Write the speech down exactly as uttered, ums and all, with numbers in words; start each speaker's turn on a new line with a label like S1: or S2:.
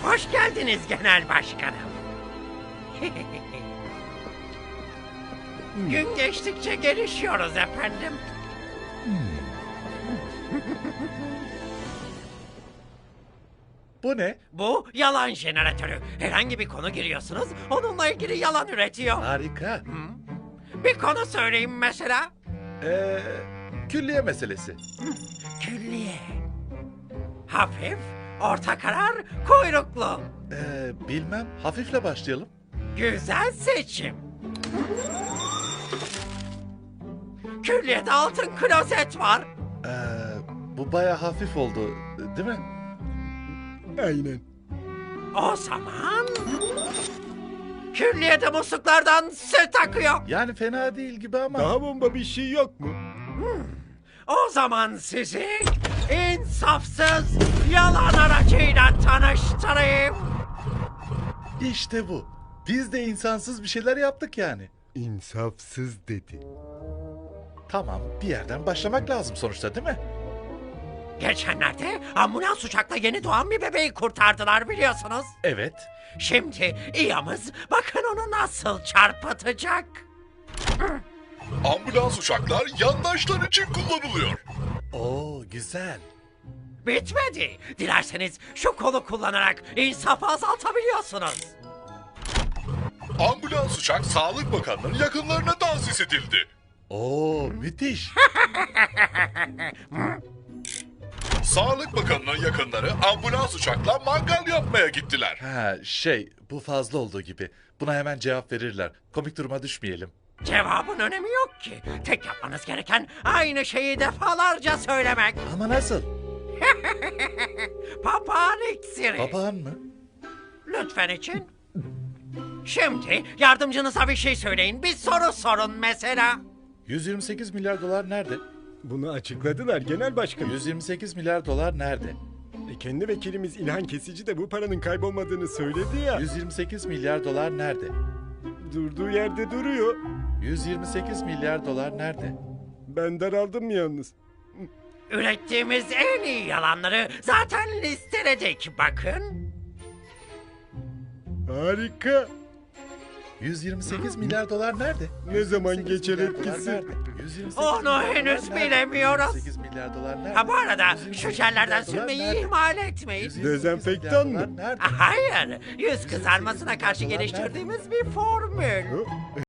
S1: Hoş geldiniz genel başkanım. Gün geçtikçe gelişiyoruz efendim.
S2: Bu ne?
S1: Bu yalan jeneratörü. Herhangi bir konu giriyorsunuz, onunla ilgili yalan üretiyor.
S2: Harika.
S1: Bir konu söyleyeyim mesela.
S2: Ee, külliye meselesi.
S1: Külliye. Hafif, orta karar, kuyruklu.
S2: Ee, bilmem. Hafifle başlayalım.
S1: Güzel seçim. Külliyede altın klozet var.
S2: Ee, bu baya hafif oldu, değil mi?
S3: Aynen.
S1: O zaman... Külliyede musluklardan süt akıyor.
S2: Yani fena değil gibi ama.
S3: Daha bomba bir şey yok mu?
S1: O zaman sizi insafsız yalan aracıyla tanıştırayım.
S2: İşte bu. Biz de insansız bir şeyler yaptık yani.
S3: İnsafsız dedi.
S2: Tamam, bir yerden başlamak lazım sonuçta, değil mi?
S1: Geçenlerde ambulans uçakla yeni doğan bir bebeği kurtardılar biliyorsunuz.
S2: Evet.
S1: Şimdi İyamız bakın onu nasıl çarpıtacak.
S4: Ambulans uçaklar yandaşlar için kullanılıyor.
S2: Oo, güzel.
S1: Bitmedi. Dilerseniz şu kolu kullanarak insafı azaltabiliyorsunuz.
S4: Ambulans uçak Sağlık Bakanı'nın yakınlarına tahsis edildi.
S2: Oo, müthiş.
S4: Sağlık Bakanı'nın yakınları ambulans uçakla mangal yapmaya gittiler.
S2: Ha, şey, bu fazla olduğu gibi. Buna hemen cevap verirler. Komik duruma düşmeyelim.
S1: Cevabın önemi yok ki. Tek yapmanız gereken aynı şeyi defalarca söylemek.
S2: Ama nasıl?
S1: Papağan iksiri.
S2: Papağan mı?
S1: Lütfen için. Şimdi yardımcınıza bir şey söyleyin. Bir soru sorun mesela.
S2: yüz yirmi sekiz milyar dolar nerede?
S3: Bunu açıkladılar genel başkanım.
S2: yüz yirmi sekiz milyar dolar nerede?
S3: E, kendi vekilimiz İlhan Kesici de bu paranın kaybolmadığını söyledi ya.
S2: yüz yirmi sekiz milyar dolar nerede?
S3: Durduğu yerde duruyor.
S2: yüz yirmi sekiz milyar dolar nerede?
S3: Ben daraldım yalnız.
S1: Ürettiğimiz en iyi yalanları zaten listeledik bakın.
S3: Harika.
S2: yüz yirmi sekiz milyar dolar nerede?
S3: Ne zaman
S2: yüz yirmi sekiz
S3: geçer
S2: milyar dolar
S3: etkisi?
S2: nerede? yüz yirmi sekiz
S1: Onu
S2: milyar dolar
S1: henüz
S2: nerede?
S1: bilemiyoruz.
S2: yüz yirmi sekiz milyar dolar nerede?
S1: Ha bu arada
S2: yüz yirmi
S1: şu
S2: sekiz
S1: jellerden
S2: milyar dolar
S1: sürmeyi
S2: nerede?
S1: ihmal etmeyin.
S2: yüz yirmi sekiz
S3: Dezenfektan
S2: milyar
S3: mı?
S2: dolar nerede?
S1: Hayır, yüz kızarmasına karşı geliştirdiğimiz bir formül.
S3: Hı?